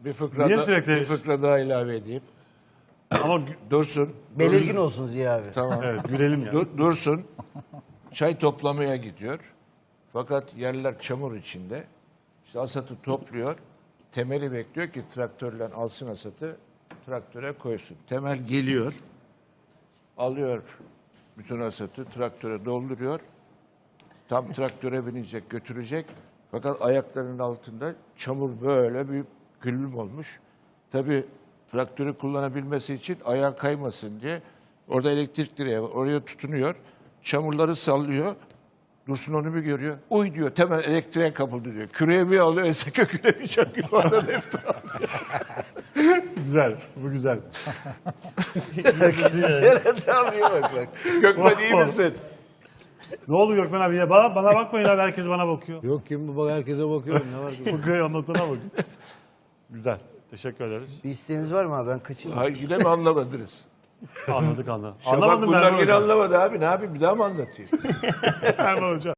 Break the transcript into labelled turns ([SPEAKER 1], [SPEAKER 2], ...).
[SPEAKER 1] Bir fıkra daha ilave edeyim.
[SPEAKER 2] Ama
[SPEAKER 1] Dursun.
[SPEAKER 3] Belirgin olsun Ziya abi.
[SPEAKER 1] Tamam.
[SPEAKER 2] evet, gülelim ya.
[SPEAKER 1] Dursun. Çay toplamaya gidiyor. Fakat yerler çamur içinde. İşte hasatı topluyor. Temeli bekliyor ki traktörle alsın hasatı, traktöre koysun. Temel geliyor. Alıyor bütün hasatı, traktöre dolduruyor. Tam traktöre binecek, götürecek. Fakat ayaklarının altında çamur böyle bir güllüm olmuş. Tabii traktörü kullanabilmesi için ayağı kaymasın diye orada elektrik direği var. Oraya tutunuyor. Çamurları sallıyor. Dursun onu bir görüyor. Uy diyor, temel elektriğe kapıldı diyor. Küreği bir alıyor, ese köküne bir çakıyor. Oradan iftira.
[SPEAKER 2] Güzel, bu güzel.
[SPEAKER 1] Serhat abiye bak bak. Gökmen iyi misin?
[SPEAKER 2] Ne oldu Gökmen abi ya? Bana bakmayın abi, herkes bana bakıyor.
[SPEAKER 3] Yok kim bu bak, herkese bakıyorum, ne var ki?
[SPEAKER 2] Fıkrayı anlatana bakın. Güzel, teşekkür ederiz.
[SPEAKER 3] Bir isteğiniz var mı abi, ben kaçayım.
[SPEAKER 1] Hayır yine mi anlamadınız?
[SPEAKER 2] Anladık.
[SPEAKER 1] Şafak
[SPEAKER 2] Anlamadım
[SPEAKER 1] bunlar
[SPEAKER 2] Erman
[SPEAKER 1] yine
[SPEAKER 2] Hocam.
[SPEAKER 1] anlamadı abi. Ne yapayım bir daha mı anlatayım?
[SPEAKER 2] Erman Hocam.